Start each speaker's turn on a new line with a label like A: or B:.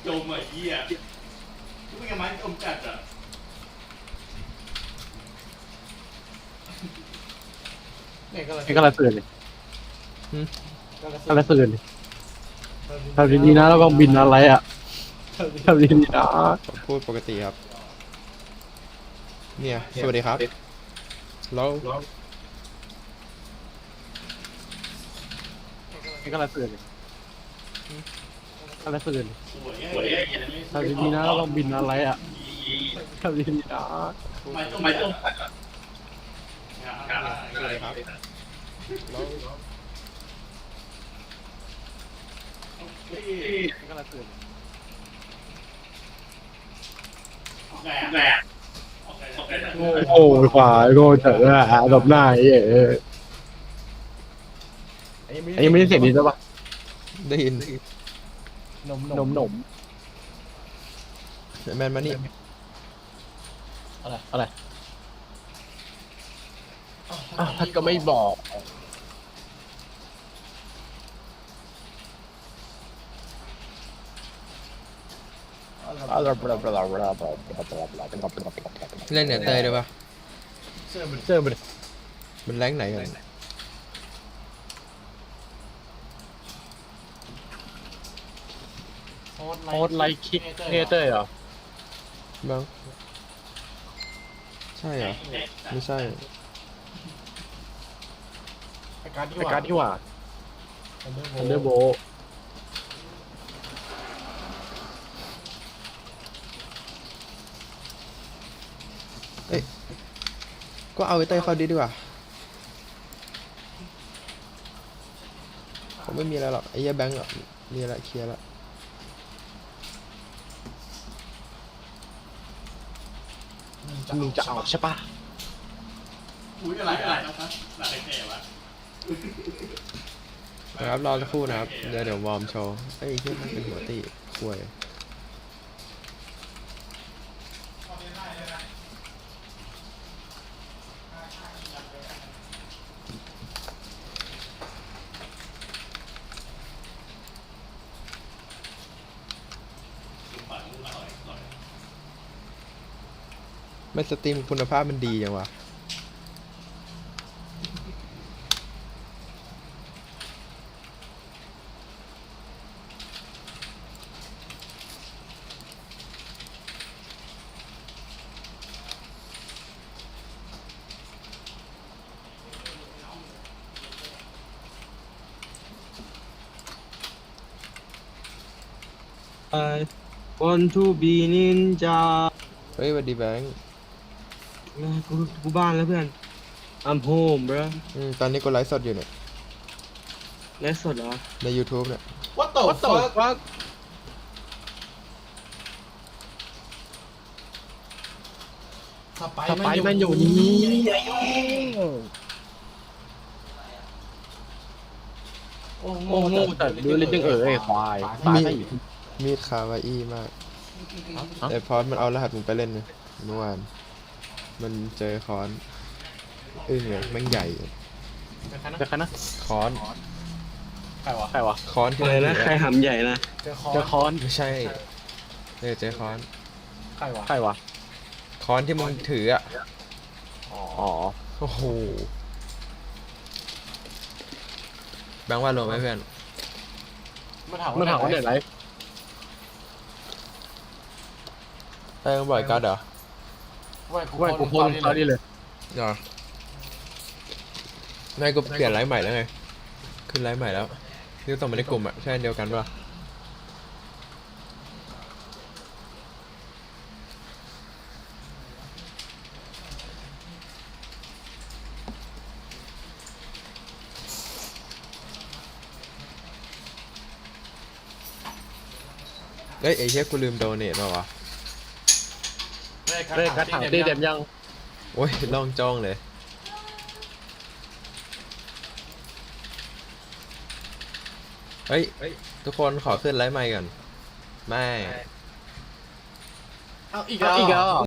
A: จมอ่ะเหี้ยไม่กับไม้จมจัดอ่ะ
B: นี่ก็ละเสื่อเลยก็ละเสื่อเลยทำดีๆนะแล้วก็บินอะไรอ่ะทำดีๆนะ
C: พูดปกติครับ เนี่ยสวัสดีครับแล้ว
B: ก็ละเสื่อเลยก็ละเสื่อเลย
A: สวยอ่ะ
B: ทำดีๆนะแล้วก็บินอะไรอ่ะทำดีๆนะ
A: ไม้จม
C: สวัสดีครับแล้ว
B: ก็ละเสื่อเลย
A: แหละ
B: โง่ขวาโง่เถอะแบบหน้าไอ้อันนี้ไม่ได้เสียงดีใช่ปะ
C: ได้ยิน
B: นม
C: แมนมานี่
B: อะไรท่านก็ไม่บอก
C: เล่นเนี่ยเตยได้ปะ
B: เจอมัน
C: มันแรงไหนกัน
B: โพสไลค์คิกเนเตอร์เหรอ
C: บ้างใช่เหรอไม่ใช่
B: ไอการที่ว่าทันเดอร์โบ
C: ก็เอาไอ้เต้ยเข้าดีกว่าผมไม่มีอะไรหรอกไอ้เหี้ยแบงก์อะมีอะไรเคลียร์ละ
B: มึงจะเอาใช่ปะ
A: อุ้ยอะไรนะครับหลักแก่วะ
C: นะครับรอสักครู่นะครับเดี๋ยววอร์มโชว์ไอ้เหี้ยมันเป็นหัวตีควยไม่สตรีมคุณภาพมันดีจังวะ
B: want to be ninja
C: เฮ้ยสวัสดีแบงค์
B: กูบ้านแล้วเพื่อน I'm home bro
C: ตอนนี้กูไลฟ์สดอยู่เนี่ย
B: ไลฟ์สดเหรอ
C: ใน YouTube เนี่ย
A: What the fuck สไป
B: สไปมันอยู่นี่โอ้โง่แต่ดูเลยจังไอ้ควายตายได้อีก
C: มีดคาวาอี้มากแต่พอดมันเอารหัสมึงไปเล่นเนี่ยเมื่อวานมันเจอค้อนอึ้งเลยแม่งใหญ่
B: จะใครนะ
C: ค้อน
B: ใครวะ
C: ค้อนที่
B: อะไร
C: มัน
B: นะ
C: ถือ
B: ใครหำใหญ่นะเจอค้อน
C: ไม่ใช่เจอค้อน
B: ใครวะ
C: ค้อนที่มึงถืออ่ะ
B: อ๋อ
C: โอ้โหแบงค์ว่าลงไหมเพื่อน
B: มันถามว่าเด็ดไร
C: ได้มึงบ่อยกัดเหรอ
B: ว่ากูโพสตอนนี้เลย
C: เหรอไม่กูเปลี่ยนไลฟ์ใหม่แล้วไงขึ้นไลฟ์ใหม่แล้วนี่ก็ส่งมาในกลุ่มอ่ะใช่อันเดียวกันป่ะเอ้ยไอ้เหี้ยกูลืมโดเนทมาวะ
B: เล่นกระถางตีเต็มยัง
C: โอ้ยล่องจ้องเลยเฮ้ยทุกคนขอขึ้นไลฟ์ใหม่ก่อนไม่
A: เอาอีก
B: อีกแล้ว